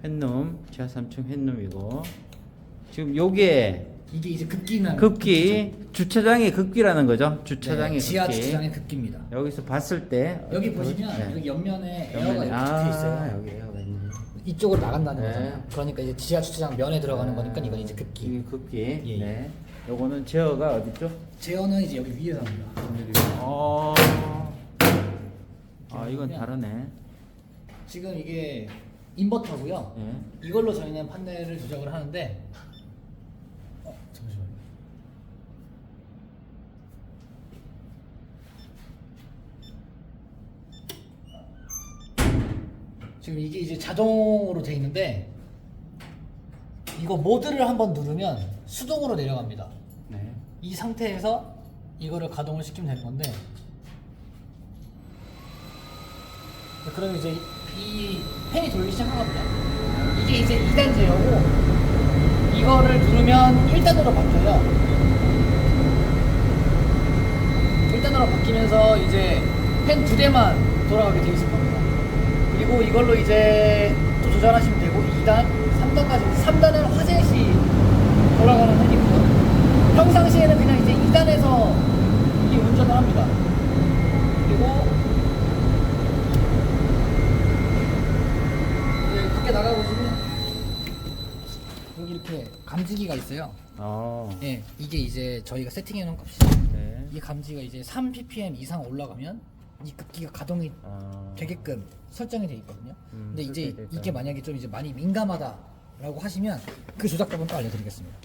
핸룸 지하 3층 핸룸이고 지금 요게 이게 이제 급기는 급기 주차장의 급기라는 거죠. 주차장의 지하 급기. 주차장의 급기입니다. 여기서 봤을 때 여기 보시면 네. 여기 옆면에 에어가 옆면에- 이렇게 붙어 있어요. 여기 에어가 있네. 이쪽으로 나간다는 네. 거잖아요. 그러니까 이제 지하 주차장 면에 들어가는 거니까 이건 이제 급기. 이게 급기. 예. 네. 요거는 제어가 어디죠? 제어는 이제 여기 위에서 합니다. 아 이건 다르네. 지금 이게 인버터고요. 예. 이걸로 저희는 판넬을 조작을 하는데 잠시만요. 지금 이게 이제 자동으로 돼 있는데 이거 모드를 한번 누르면 수동으로 내려갑니다. 네. 이 상태에서 이거를 가동을 시키면 되는 건데 그러면 이제 이 팬이 돌기 시작하거든요. 이게 이제 2단 제어고 이거를 누르면 1단으로 바뀌어요. 1단으로 바뀌면서 이제 팬 2대만 돌아가게 돼 있을 겁니다. 그리고 이걸로 이제 또 조절하시면 되고 2단, 3단까지 3단은 화재 시 돌아가는 팬이고요. 평상시에는 그냥 이제 2단에서 이 운전을 합니다. 그리고 이제 밖에 나가보시면 여기 이렇게 감지기가 있어요. 예, 이게 이제 저희가 세팅해 놓은 값이 네. 이 감지가 이제 3 ppm 이상 올라가면 이 급기가 가동이 되게끔 설정이 돼 있거든요. 근데 이제 설정이 돼 있다. 이게 만약에 좀 이제 많이 민감하다라고 하시면 그 조작법은 또 알려드리겠습니다.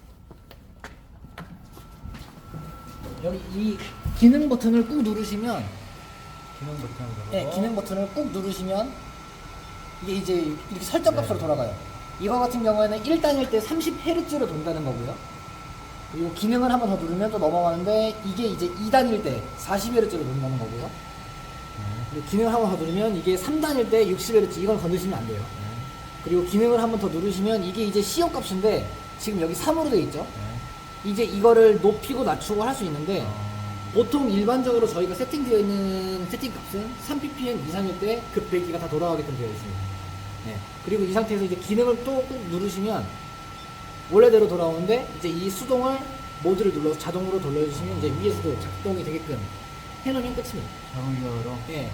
여기 이 기능 버튼을 꾹 누르시면 기능 버튼으로. 네, 기능 버튼을 꾹 누르시면 이게 이제 이렇게 설정 값으로 돌아가요. 이거 같은 경우에는 1단일 때 30Hz로 돈다는 거고요. 그리고 기능을 한 번 더 누르면 또 넘어가는데 이게 이제 2단일 때 40Hz로 돈다는 거고요. 그리고 기능을 한 번 더 누르면 이게 3단일 때 60Hz 이건 건드시면 안 돼요. 그리고 기능을 한 번 더 누르시면 이게 이제 시험 값인데 지금 여기 3으로 돼 있죠. 이제 이거를 높이고 낮추고 할 수 있는데 보통 일반적으로 저희가 세팅되어 있는 세팅 값은 3 ppm 이상일 때 급배기가 다 돌아가게끔 되어 있습니다. 네. 그리고 이 상태에서 이제 기능을 또 꾹 누르시면 원래대로 돌아오는데 이제 이 수동을 모드를 눌러서 자동으로 돌려주시면 이제 위에서도 작동이 되게끔 해놓으면 끝입니다. 자동기어로. 예.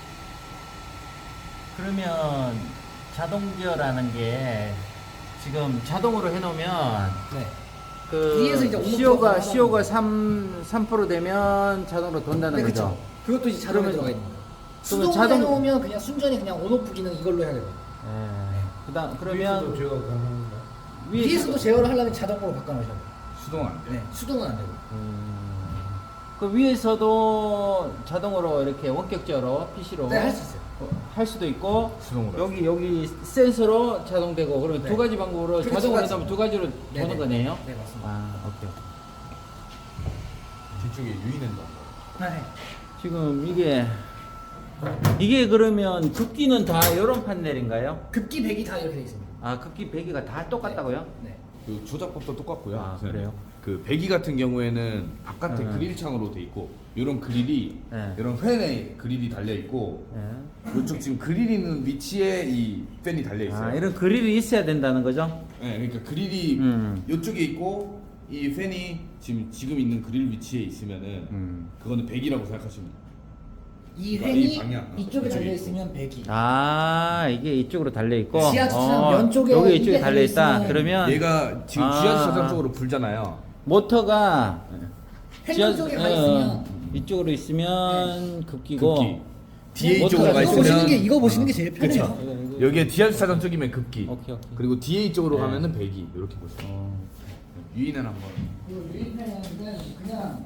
그러면 자동기어라는 게 지금 자동으로 해놓으면 네. 그 위에서 이제 온도 시오가 들어가는 시오가 3% 되면 자동으로 돈다는 네, 거죠. 그렇죠. 그것도 이제 자동에 그러면- 들어가 있는 거예요. 그러면 수동으로 자동- 해놓으면 그냥 순전히 그냥 온오프 기능 이걸로 해야 돼요. 그다음 그러면 제가 가능한가? 위에서도 제어를 하려면 자동으로 바꿔놓으셔야 돼요. 수동 안 돼. 네. 수동은 안 되고. 그 위에서도 자동으로 이렇게 원격제어로 PC로 네, 할 수 있어요. 할 수도 있고 수동으로 여기 센서로 자동되고 그러면 네. 두 가지 방법으로 그렇게 자동으로 두 가지. 하면 두 가지로 네네. 보는 거네요. 네, 맞습니다. 아 오케이. 뒤쪽에 유인한다. 네. 지금 이게 그러면 급기는 다 이런 판넬인가요? 급기 배기 다 이렇게 돼 있습니다. 아 급기 배기가 다 똑같다고요? 네. 그 조작법도 똑같고요. 아, 그래요? 그 배기 같은 경우에는 바깥에 네. 그릴 창으로 돼 있고 이런 그릴이 네. 이런 팬에 그릴이 달려 있고 네. 이쪽 지금 그릴 있는 위치에 이 팬이 달려 있어요. 아 이런 그릴이 있어야 된다는 거죠? 네, 그러니까 그릴이 이쪽에 있고 이 팬이 지금 있는 그릴 위치에 있으면은 그거는 배기라고 생각하시면 돼요. 이 이 팬이 방향, 이쪽에 이쪽에 달려 있으면 배기. 아 이게 이쪽으로 달려 있고 지하 주차장 면 쪽에 여기 이게 이쪽에 달려 있다. 달려있으면 그러면 얘가 지금 아. 지하 주차장 쪽으로 불잖아요. 모터가 팬 쪽에 가 있으면 이쪽으로 있으면 급기고 급기. DA 모터가 쪽으로 가 이거 있으면 보시는 게- 이거 보시는 게 제일 편해요. 그쵸. 이거. 여기에 지하 주차장 쪽이면 급기. 오케이. 그리고 DA 쪽으로 네. 가면은 배기. 이렇게 보세요. 유인은 한번. 이거 유인팬은 그냥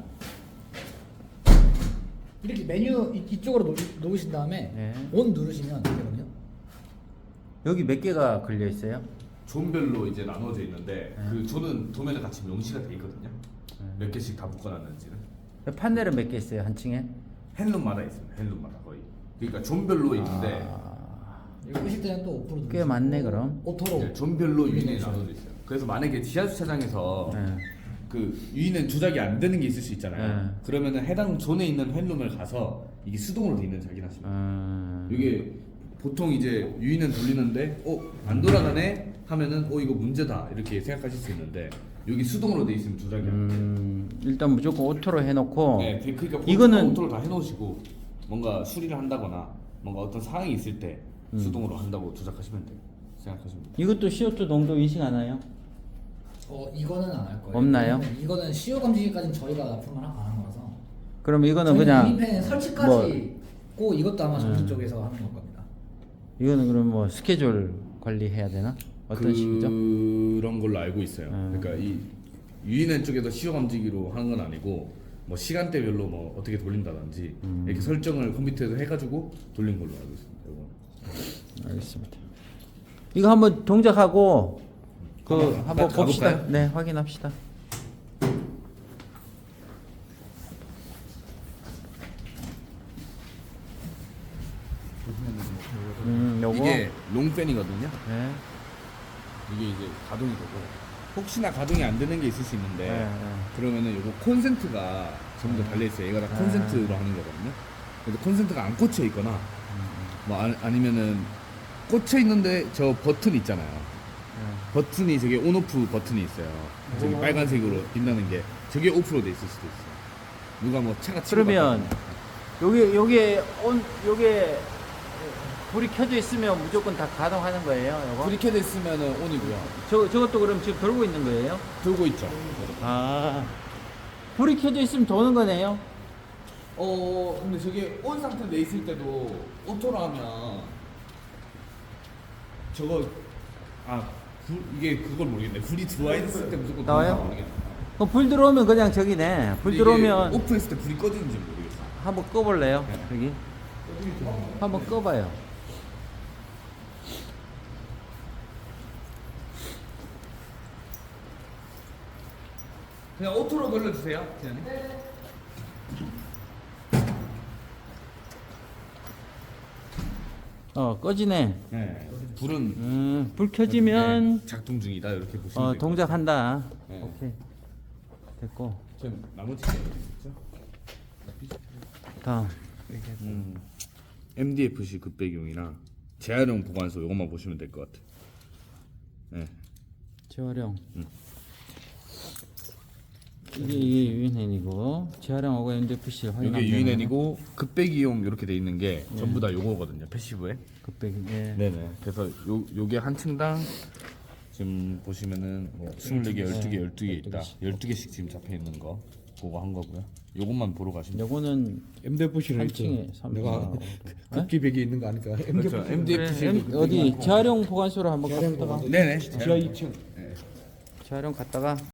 이렇게 메뉴 이쪽으로 놓으신 다음에 네. 온 누르시면 되거든요. 여기 몇 개가 걸려 있어요? 존별로 이제 나눠져 있는데 그 존은 도면에 같이 명시가 돼 있거든요. 몇 개씩 다 묶어놨는지는 판넬은 몇 개 있어요 한 층에? 핸룸마다 있습니다. 핸룸마다 거의. 그러니까 존별로 있는데 여기 끄실 때는 또 5% 누르시고 꽤 많네, 그럼. 오토로 네, 존별로 유인이 유인해주셔야 나눠져 있어요. 그래서 만약에 지하 주차장에서 네. 그 유인은 조작이 안 되는 게 있을 수 있잖아요. 네. 그러면은 해당 존에 있는 핸룸을 가서 이게 수동으로 돼 있는지 확인하시면 돼요. 이게 보통 이제 유인은 돌리는데 안 돌아가네 하면은 이거 문제다 이렇게 생각하실 수 있는데 여기 수동으로 돼 있으면 조작이 안 돼요. 일단 무조건 오토로 해놓고 네, 그러니까 이거는 오토를 다 해놓으시고 뭔가 수리를 한다거나 뭔가 어떤 상황이 있을 때 수동으로 한다고 조작하시면 돼요. 생각하시면 돼요. 이것도 CO2 농도 인식하나요? 이거는 안 할 거예요. 없나요? 이거는 CO 검지기까지는 저희가 납품을 안 하는 거라서. 그럼 이거는 그냥 유니펜 설치까지 고 이것도 아마 정부 쪽에서 하는 걸 겁니다. 이거는 그럼 뭐 스케줄 관리해야 되나? 어떤 식이죠? 그런 걸로 알고 있어요. 그러니까 이 유인원 쪽에서 시효 감지기로 하는 건 아니고 뭐 시간대별로 뭐 어떻게 돌린다든지 이렇게 설정을 컴퓨터에서 해가지고 돌린 걸로 알고 있습니다. 이건. 알겠습니다. 이거 한번 동작하고 한번 가볼까요? 봅시다. 네, 확인합시다. 요거. 이게 롱팬이거든요. 네. 이게 이제 가동이 되고 혹시나 가동이 안 되는 게 있을 수 있는데 네. 그러면은 요거 콘센트가 전부 다 달려 있어요. 얘가 다 콘센트로 하는 거거든요. 그래서 콘센트가 안 꽂혀 있거나 뭐 아니면은 꽂혀 있는데 저 버튼 있잖아요. 버튼이 저게 온오프 버튼이 있어요. 저기 빨간색으로 빛나는 게 저게 오프로 돼 있을 수도 있어요. 누가 뭐 차가 치고 그러면 갔다거나. 요게 불이 켜져 있으면 무조건 다 가동하는 거예요, 요거? 불이 켜져 있으면은 온이고요. 저것도 그럼 지금 돌고 있는 거예요? 돌고 있죠. 아. 불이 켜져 있으면 도는 거네요? 근데 저게 온 상태로 돼 있을 때도 오토로 하면 저거 이게 그걸 모르겠네. 불이 들어와 있을 때 무조건 나와요? 도는지 모르겠네. 그럼 불 들어오면 그냥 저기네. 불 근데 들어오면 이게 오프했을 때 불이 꺼지는지 모르겠어. 한번 꺼볼래요? 네. 여기 한번 꺼봐요. 그냥 오토로 돌려주세요, 기자님. 꺼지네. 네. 불은 불 켜지면 네, 작동 중이다 이렇게 보시면 돼요. 동작한다. 네. 오케이. 됐고. 지금 나머지 게 있죠? 다음. MDFC 급배기용이나 재활용 보관소 이것만 보시면 될 것 같아요. 네. 재활용. 이게 유인앤이고 재활용하고 MDFC 확인하면 이게 유인앤이고 급배기용 이렇게 돼 있는 게 전부 다 요거거든요. 패시브에. 급백이. 네. 네네. 그래서 요게 한 층당 지금 보시면은 뭐 24개, 12개, 12개 있다. 12개씩 지금 잡혀 있는 거 그거 한 거고요. 요것만 보러 가시면 돼요. 요거는 MDFC를 한 층에 내가 3층. 급기백이 있는 거 아니까 그렇죠. MDFC MDFC 어디 재활용 보관소로 한번 갔다가 네네. 지하 2층 재활용 갔다가